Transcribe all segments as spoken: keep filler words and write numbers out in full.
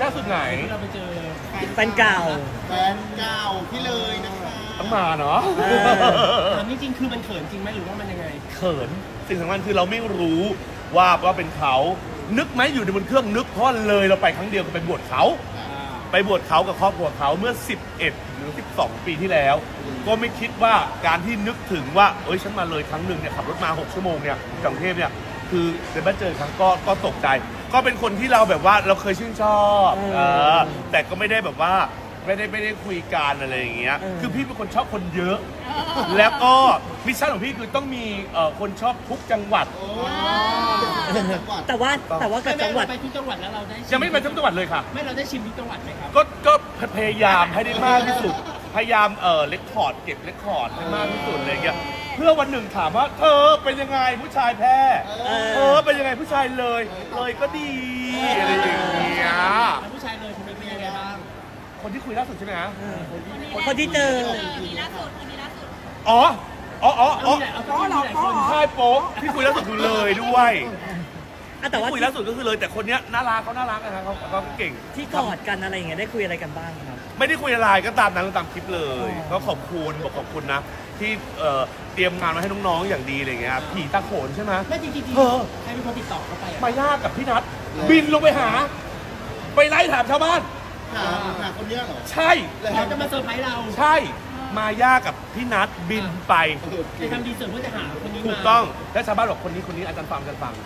ล่าสุดไหนเราไปเจอแฟนเก่าแฟนเก่าพี่เลยนะคะต้องมาเนาะถามจริงๆคือมันเขินจริงไหมหรือว่ามันยังไงเขินสิ่งสำคัญคือเราไม่รู้ว่าว่าเป็นเขานึกไหมอยู่ในบนเครื่องนึกเพราะเลยเราไปครั้งเดียวก็ไปบวชเขาไปบวชเขากับครอบครัวเขาเมื่อสิบเอ็ดหรือสิบสองปีที่แล้วก็ไม่คิดว่าการที่นึกถึงว่าเอ้ยฉันมาเลยครั้งหนึ่งเนี่ยขับรถมาหกชั่วโมงเนี่ยกรุงเทพเนี่ยคือเดินมาเจอครั้งก็ก็ตกใจก็เป็นคนที่เราแบบว่าเราเคยชื่นชอบเออแต่ก็ไม่ได้แบบว่าไม่ได้ไม่ได้คุยกันอะไรอย่างเงี้ยคือพี่เป็นคนชอบคนเยอะแล้วก็มิชชั่นของพี่คือต้องมีเอ่อคนชอบทุกจังหวัดแต่ว่าแต่ว่ากับจังหวัดไปทุกจังหวัดแล้วเราได้ยังไม่ไปทุกจังหวัดเลยค่ะไม่เราได้ชิมทุกจังหวัดไหมครับก็ก็พยายามให้ได้มากที่สุดพยายามเอ่อเรคคอร์ดเก็บเรคคอร์ดให้มากที่สุดอะไรเงี้ยเพื่อวันหนึ่งถามว่าเธอเป็นยังไงผู้ชายแพ้เธอเป็นยังไงผู้ชายเลยเลยก็ดีอะไรอย่างเงี้ยผู้ชายเลยคุณเป็นยังไงบ้างคนที่คุยล่าสุดใช่ไหมฮะคนที่เจอคนนี้ล่าสุดคนนี้ล่าสุดอ๋ออ๋ออ๋ออ๋ออ๋อหรอคนใช่โป๊กที่คุยล่าสุดคือเลยด้วยแต่ว่าคุยล่าสุดก็คือเลยแต่คนเนี้ยน่ารักเขาน่ารักนะครับเขาเขาเก่งที่กอดกันอะไรอย่างเงี้ยได้คุยอะไรกันบ้างครับไม่ได้คุยอะไรก็ตามนั้นตามคลิปเลยก็ขอบคุณบอกขอบคุณนะที่เอ่อเตรียมงานมาให้น้องๆอย่างดีอะไรเงี้ยผีตาโขนใช่ไหมไม่จริงๆเออใครเป็นคนติดต่อเข้าไปมายากกับพี่นัทบินลงไปหาไปไล่ถามชาวบ้านหาหาคนเนี้ยเหรอใช่เขาจะมาเซอร์ไพรส์เราใช่มายากกับพี่นัทบินไปไปทำดีเซอร์เพื่อจะหาคนนี้มาถูกต้องแล้วชาวบ้านบอกคนนี้คนนี้อาจารย์ฟังอาจารย์ฟัง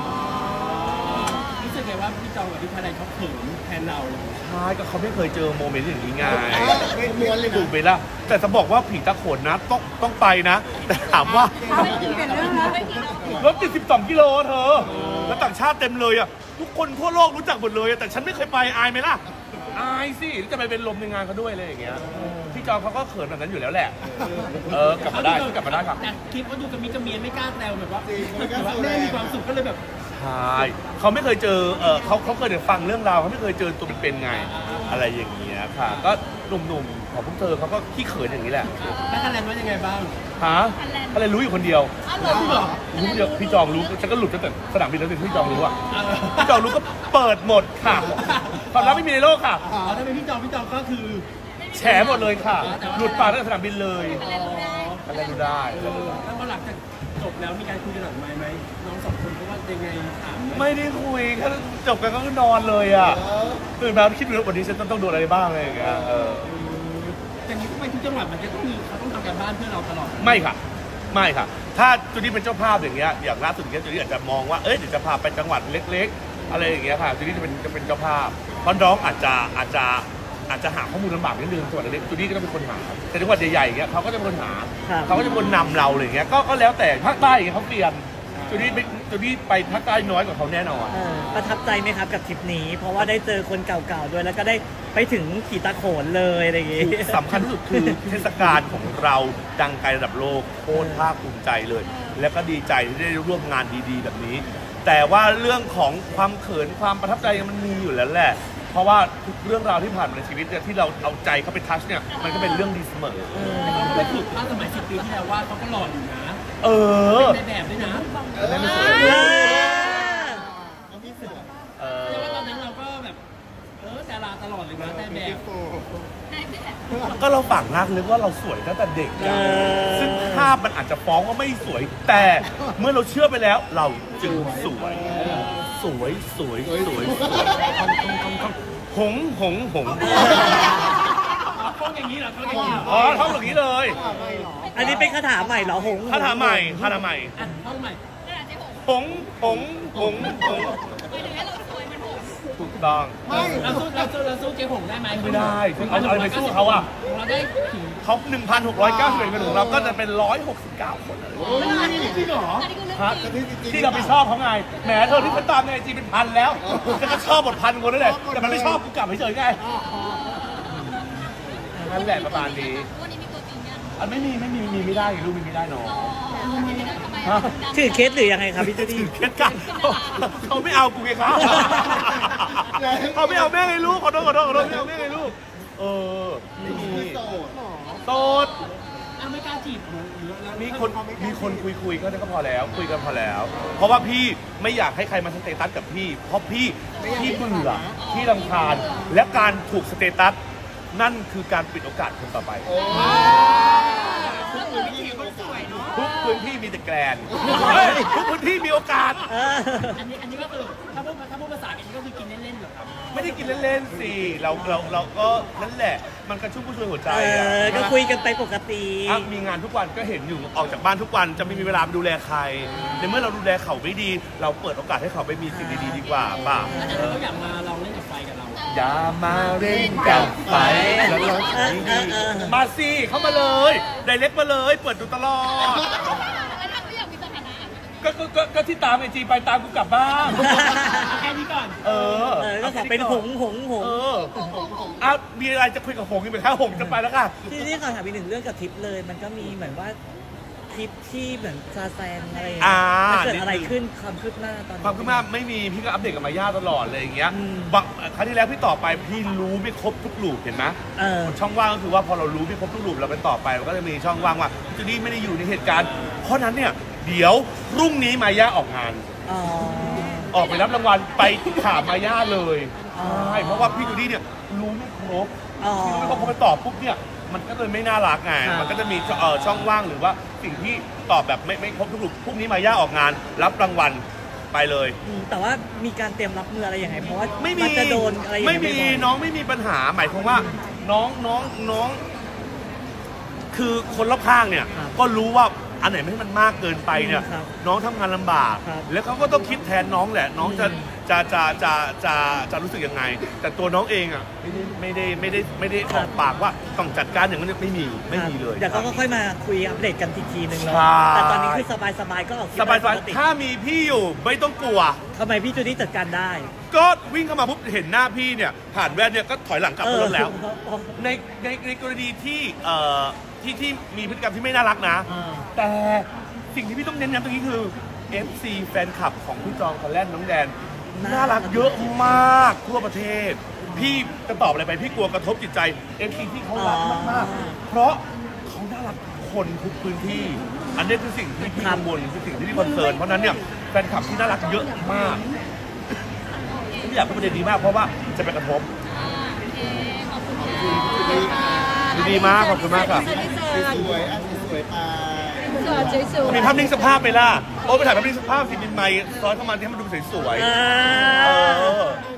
รู้สึกไงว่าพี่จองกับพี่พาไดเขาเขินแทนเราใช่ก็เขาไม่เคยเจอโมเมนต์อย่างนี้ไงม้วนเลยถูกไปละแต่จะบอกว่าผีตาโขนนะต้องต้องไปนะแต่ถามว่า รถติดสิบสองกิโลเธอแล้วต่างชาติเต็มเลยอ่ะทุกคนทั่วโลกรู้จักหมดเลยแต่ฉันไม่เคยไปอายไหมล่ะอายสิจะไปเป็นลมในงานเขาด้วยอะไรอย่างเงี้ยพี่จองเขาก็เขินแบบนั้นอยู่แล้วแหละเออกลับมาได้กลับมาได้ครับแต่คลิปเขาดูกับมิกกับเมียไม่กล้าแซวแบบว่าแม่มีความสุขก็เลยแบบใช่เขาไม่เคยเจอเออเขาเขาเคยแต่ฟังเรื่องราวเขาไม่เคยเจอตัวเป็นๆไงอะไรอย่างเงี้ยค่ะก็หนุ่มๆของพวกเธอเขาก็ขี้เขินอย่างนี้แหละแล้วคะแนนว่ายังไงบ้างฮะอะไรรู้อยู่คนเดียวรู้เดียวพี่จองรู้ฉันก็หลุดตั้งแต่สนามบินแล้วสิพี่จองรู้อ่ะพี่จองรู้ก็เปิดหมดค่ะความลับไม่มีในโลกค่ะอ๋อถ้าเป็นพี่จองพี่จองก็คือแฉหมดเลยค่ะหลุดปากตั้งแต่สนามบินเลยอะไรรู้ได้แล้วพอหลังจากจบแล้วมีการคุยกันหลังไมค์ไหมน้องสองคนเพราะว่ายังไงถามไม่ได้คุยแค่จบกันก็นอนเลยอ่ะตื่นมาคิดว่าวันนี้ฉันต้องโดนอะไรบ้างอะไรอย่างเงี้ยเอออย่างนี้ไปทุกจังหวัดมันจะต้องมีเขาต้องทำการบ้านเพื่อเราตลอดไม่ค่ะไม่ค่ะถ้าจูดี้เป็นเจ้าภาพอย่างเงี้ยอย่างล่าสุดเนี้ยจูดี้อาจจะมองว่าเอ้ยเดี๋ยวจะพาไปจังหวัดเล็กๆอะไรอย่างเงี้ยค่ะจูดี้จะเป็นจะเป็นเจ้าภาพเพราะน้องอาจจะอาจจะอาจจะหาข้อมูลลำบากนิดนึงจังหวัดเล็กจูดี้ก็ต้องเป็นคนหาแต่จังหวัดใหญ่ๆอย่างเงี้ยเขาก็จะเป็นคนหาเขาก็จะเป็นคนนำเราอะไรอย่างเงี้ยก็ก็แล้วแต่ภาคใต้อย่างเงี้ยเขาเปลี่ยนจูดี้ไปจูดี้ไปภาคใต้น้อยกว่าเขาแน่นอนประทับใจไหมครับกับทริปนี้เพราะว่าได้เจอคนเก่าๆด้วยแล้วก็ได้ไปถึงผีตาโขนเลยอะไรอย่างงี้สำคัญที่สุดคือเทศกาลของเราดังไกลระดับโลกโคตรภาคภูมิใจเลยแล้วก็ดีใจที่ได้ร่วมงานดีๆแบบนี้แต่ว่าเรื่องของความเขินความประทับใจมันมีอยู่แล้วแหละเพราะว่าทุกเรื่องราวที่ผ่านมาในชีวิตเนี่ยที่เราเอาใจเขาไปทัชเนี่ยมันก็เป็นเรื่องดีเสมอแต่เขาไม่ถูกภาพสมัยสิบปีที่แล้วว่าเขาก็หล่ออยู่นะเออเป็นแบบด้วยนะได้ไม่สวยเขาพี่เสือเออแล้วตอนนั้นเราก็แบบเออดาราตลอดเลยนะได้แบบก็เราฝังรักนึกว่าเราสวยตั้งแต่เด็กซึ่งภาพมันอาจจะฟ้องว่าไม่สวยแต่เมื่อเราเชื่อไปแล้วเราจึงสวยสวยสวยสวยหงหงหงท่องอย่างนี้เหรอท่องอย่างนี้อ๋อท่องอย่างนี้เลยอันนี้เป็นคาถาใหม่เหรอหงคาถาใหม่คาถาใหม่ท่องใหม่หงหงหงหงถูกต้องเราสู้เราสู้เราสู้เจ๊หงได้ไหมไม่ได้เอาอะไรไปสู้เขาอ่ะเราได้เขาหนึ่งพันหกร้อยเก้าสิบเอ็ดคนของเราก็จะเป็นร้อยหกสิบเก้าคนอันนี้จริงเหรอที่เราไปชอบเขาไงแหมเธอที่ฉันตามในไอจีเป็นพันแล้วฉันก็ชอบหมดพันคนนั่นแหละแต่มันไม่ชอบกูกลับเฉยๆไงนั่นแหละประมาณนี้วันนี้มีตัวจริงยังอันไม่มีไม่มีมีไม่ได้ลูกมีไม่ได้น้องถือเคสหรือยังไงครับพี่จูดี้ถือเคสกันเขาไม่เอากูไงครับเขาไม่เอาแม่ไงลูกขอโทษขอโทษขอโทษไม่เอาแม่ไงลูกเออไม่มีโสดไม่กล้าจีจีบหรือแล้วมีคนมีคนคุยคุยๆก็ก็พอแล้วคุยกันพอแล้ว เพราะว่าพี่ไม่อยากให้ใครมาสเตตัสกับพี่ เพราะพี่พี่เบื่อพี่รำคาญและการถูกสเตตัสนั่นคือการปิดโอกาสคนต่อไปก็คือวิถีคนสวยเนาะทุกพื้นที่มีแต่แกรนเฮ้ยทุกพื้นที่มีโอกาสเอออันนี้อันนี้ก็คือถ้าพูดถ้าพูดภาษาอังกฤษก็คือกินเล่นๆเหรอครับไม่ได้กินเล่นๆสิเราเราเราก็นั่นแหละ มันกระชุ่มกระชวยหัวใจเออะอ ก็คุยกันไปปกติอ่ะมีงานทุกวันก็เห็นอยู่ออกจากบ้านทุกวันจะไม่มีเวลาดูแลใครในเมื่อเราดูแลเขาไม่ดี เราเปิดโอกาสให้เขาไปมีสิ่งดีๆดีกว่าป่ะแต่เขาก็อยากมาลองเล่นกับไฟกับเราอย่ามาเล่นกับไฟแล้วเราเออเออเออมาสิเข้ามาเลยไดเรกมาเลย เปิดดูตลอดแล้วถ้าเขาอยากมีสถานะก็ก็ก็ก็ที่ตามไอจีไปตามกูกลับบ้านแค่นี้ก่อนเออเออ ก็ขอเป็นหงหงหงเอออ่ะมีอะไรจะคุยกับหงอีกไหมคะหงจะไปแล้วค่ะที่นี่ขอถามอีกหนึ่งเรื่องกับทริปเลย มันก็มีเหมือนว่าทริปที่เหมือนซาแซงอะไรอย่างเงี้อ่ายมันเกิดอะไรขึ้นความคืบหน้าตอนนี้ความคืบหน้าไม่มีพี่ก็อัปเดตกับมาย่าตลอดเลยอย่างเงี้ยอืมบางครั้งที่แล้วพี่ต่อไปพี่รู้ไม่ครบทุกลูปเห็นไหมเออช่องว่างก็คือว่าพอเรารู้ไม่ครบทุกลูปเราไปต่อไปเราก็จะมีช่องว่างว่าจูดี้ไม่ได้อยู่ในเหตุการณ์ เพราะนั้นเนี่ยเดี๋ยวพรุ่งนี้มาย่าออกงานอ๋อออกไปรับรางวัลไปถามมาย่าเลยอ๋อใช่เพราะว่าพี่จูดี้เนี่ยรู้ไม่ครบอ๋อพี่รู้ไม่ครบพอไปตอบปุ๊บเนี่ยมันก็เลยไม่น่ารักไงครับมันก็จะมีเอ่อช่องว่างหรือว่าสิ่งที่ตอบแบบไม่ไม่ครบทุกลูปพรุ่งนี้มาย่าออกงาน รับรางวัลไปเลยอืมแต่ว่ามีการเตรียมรับมืออะไรยังไง เพราะว่าไม่มีนจะโดนอะไรอย่างไม่เงี้ยมีบ่อยๆน้องไม่มีปัญหาหมายความว่าน้องน้องน้อง คือคนรอบข้างเนี่ยครับก็รู้ว่าอันไหนไม่ให้มันมากเกินไปเนี่ยครับน้องทำงานลำบากครับแล้วเขาก็ต้องคิดแทนน้องแหละ น้องจะอืมจะจะจะจะจะรู้สึกยังไง แต่ตัวน้องเองอ่ะไม่ได้ไม่ได้ไม่ได้ไม่ได้ออกปากว่าต้องจัดการอย่างนั้นไม่มีไม่มีเลยเดี๋ยวก็ค่อยมาคุยอัปเดตกันทีทีนึงเนาะใช่แต่ตอนนี้คือสบายๆก็ออกทริสปบายได้สบายปกติถ้ามีพี่อยู่ไม่ต้องกลัวทำไมพี่จูดี้จัดการได้ก็วิ่งเข้ามาปุ๊บเห็นหน้าพี่เนี่ยผ่านแว่นเนี่ยก็ถอยหลังกลับรถแล้วเออในในในกรณีที่เอ่อที่ที่มีพฤติกรรมที่ไม่น่ารักนะอ่าแต่สิ่งที่พี่ต้องเน้นย้ำตรงนี้คือ เอฟ ซี แฟนคลับของพี่จองคอนแลนน้องแดน น่ารักเยอะมากทั่วประเทศ พี่จะตอบอะไรไปพี่กลัวกระทบจิตใจ เอฟ ซี ที่เขารักมากๆเพราะเขาน่ารักคนทุกพื้นที่ อันนี้คือสิ่งที่พี่กังวลคือสิ่งที่พี่คอนเซิร์นเพราะฉะนั้นเนี่ยแฟนคลับที่น่ารักเยอะมากไม่อยากพูดประเด็นนี้มากเพราะว่าจะไปกระทบอ่าโอเคขอบคุณค่ะดีมากขอบคุณมากครับสวยๆอ่ะสวยๆไปสวยสวยมีภาพนิ่งสภาพไหมล่ะ โอ้ไปถ่ายภาพนิ่งสภาพสิบินไมค์ซ้อนเข้ามาที่ให้มันดูสวยอ่าๆเออ